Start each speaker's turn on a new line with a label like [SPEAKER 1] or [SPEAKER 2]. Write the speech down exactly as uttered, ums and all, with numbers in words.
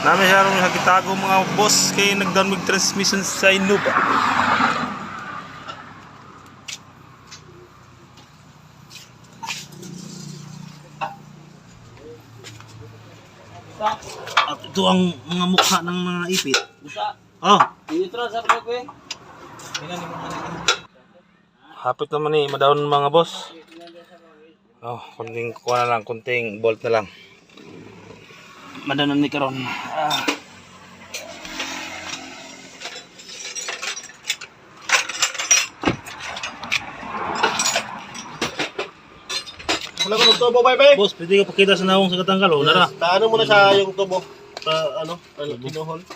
[SPEAKER 1] Namin siya rin nakitago mga boss kay nagdown mag transmission sa Innova. At ito ang mga mukha ng mga ipit. Oh. Hapit naman ni madawon mga boss. Oh, kunting kuha na lang, kunting bolt na lang. Madanon ni karon. Ah.
[SPEAKER 2] Wala ko ng tubo, bye bye.
[SPEAKER 1] Boss, pwede ka pakita sa nawong sa katanggal, oh, nara.
[SPEAKER 2] Taano mo na sa yung tubo. Ta ano, ano pinuhol.